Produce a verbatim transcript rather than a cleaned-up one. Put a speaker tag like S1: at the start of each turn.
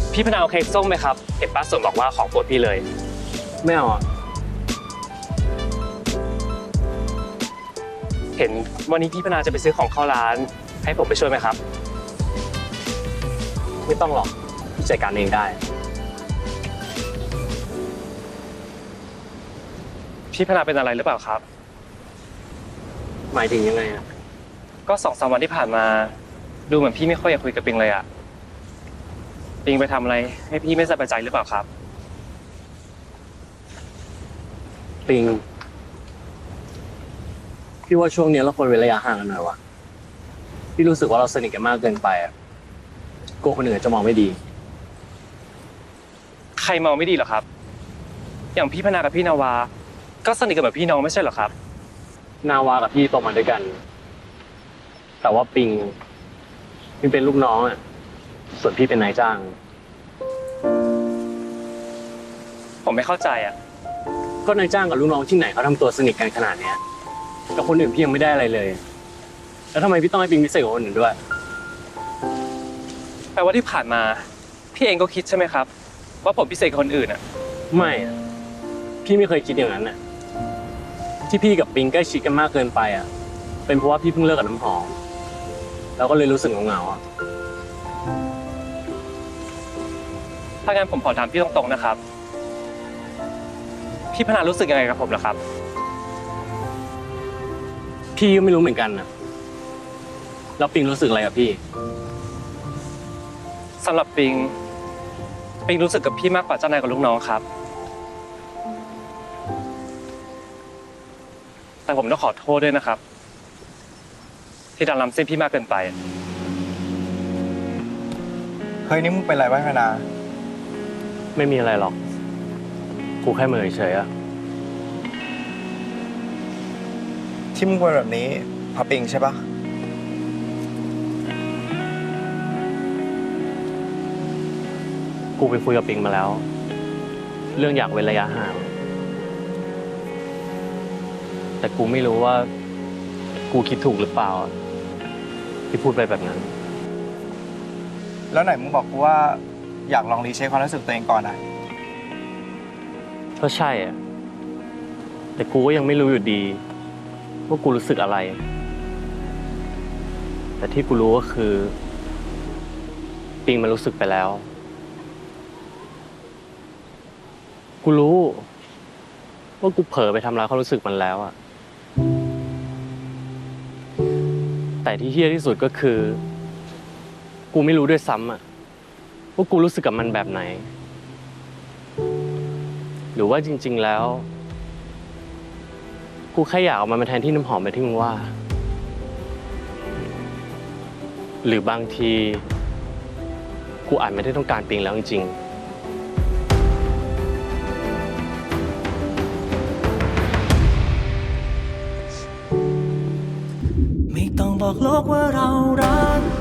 S1: พี่พนาเอาเค้กส้มไหมครับเห็นป้าสนบอกว่าของโปรดพี่เลย
S2: ไม่เอาอ่ะ
S1: เห็นวันนี้พี่พนาจะไปซื้อของเข้าร้านให้ผมไปช่วยไหมครับ
S2: ไม่ต้องหรอกพี่จัดการเองได้
S1: พี่พนาเป็นอะไรหรือเปล่าครับ
S2: หมายถึงยังไงอ่ะ
S1: ก็สองสามวันที่ผ่านมาดูเหมือนพี่ไม่ค่อยอยากคุยกับปิงเลยอะปิงไปทำอะไรให้พี่ไม่สบายใจหรือเปล่าครับ
S2: ปิงพี่ว่าช่วงนี้เราควรเว้นระยะห่างกันหน่อยวะพี่รู้สึกว่าเราสนิทกันมากเกินไปอ่ะกลัวคนอื่นจะมองไม่ดี
S1: ใครมองไม่ดีเหรอครับอย่างพี่พนากับพี่นาวาก็สนิทกันแบบพี่น้องไม่ใช่เหรอครับ
S2: นาวากับพี่โตมาด้วยกันแต่ว่าปิงปิงเป็นลูกน้องอ่ะส่วนพี่เป็นนายจ้าง
S1: ผมไม่เข้าใจอ่ะ
S2: ก็นายจ้างกับลูกน้องที่ไหนเขาทำตัวสนิทกันขนาดเนี้ยกับคนอื่นพี่ยังไม่ได้อะไรเลยแล้วทำไมพี่ต้องให้ปิงพิเศษกว่าคนอื่นด้วย
S1: แปลว่าที่ผ่านมาพี่เองก็คิดใช่ไหมครับว่าผมพิเศษกว่าคนอื่นอ่ะ
S2: ไม่อะพี่ไม่เคยคิดอย่างนั้นน่ะที่พี่กับปิงใกล้ชิดกันมากเกินไปอ่ะเป็นเพราะว่าพี่เพิ่งเลิกกับน้ำหอมแล้วก็เลยรู้สึกเหงาๆอ่ะ
S1: ถ้างั้นผมขอถามพี่ตรงๆนะครับพี่พนารู้สึกยังไงกับผมเหรอครับ
S2: พี่ก็ไม่รู้เหมือนกันนะแล้วปิงรู้สึกอะไรกับพี่
S1: สำหรับปิงปิงรู้สึกกับพี่มากกว่าเจ้านายกับลูกน้องครับแต่ผมต้องขอโทษด้วยนะครับที่ดันล้ำเส้นพี่มากเกินไป
S3: เฮ้ยนี่มึงเป็นไรวะพนา
S2: ไม่มีอะไรหรอกกูแค่เหม่อเฉยอะ
S3: ที่มึงเป็นแบบนี้เพราะปิงใช่ปะ
S2: กูไปคุยกับปิงมาแล้วเรื่องอยากเว้นระยะห่างแต่กูไม่รู้ว่ากูคิดถูกหรือเปล่าที่พูดไปแบบนั้น
S3: แล้วไหนมึงบอกกูว่าอยากลองรีเช็คความรู้สึกตัวเองก่อนอ่ะ
S2: ก็ใช่อะแต่กูก็ยังไม่รู้อยู่ดีว่ากูรู้สึกอะไรแต่ที่กูรู้ก็คือปิงมันรู้สึกไปแล้วกูรู้ว่ากูเผลอไปทำร้ายความรู้สึกมันแล้วอะแต่ที่เหี้ยที่สุดก็คือกูไม่รู้ด้วยซ้ำอะว่ากูรู้สึกกับมันแบบไหนหรือว่าจริงๆแล้วกูแค่อยากเอามันมาแทนที่น้ำหอมไปที่มึงว่าหรือบางทีกูอาจไม่ได้ต้องการปิงแล้วจริง
S4: ๆไม่ต้องบอกโลกว่าเรารัก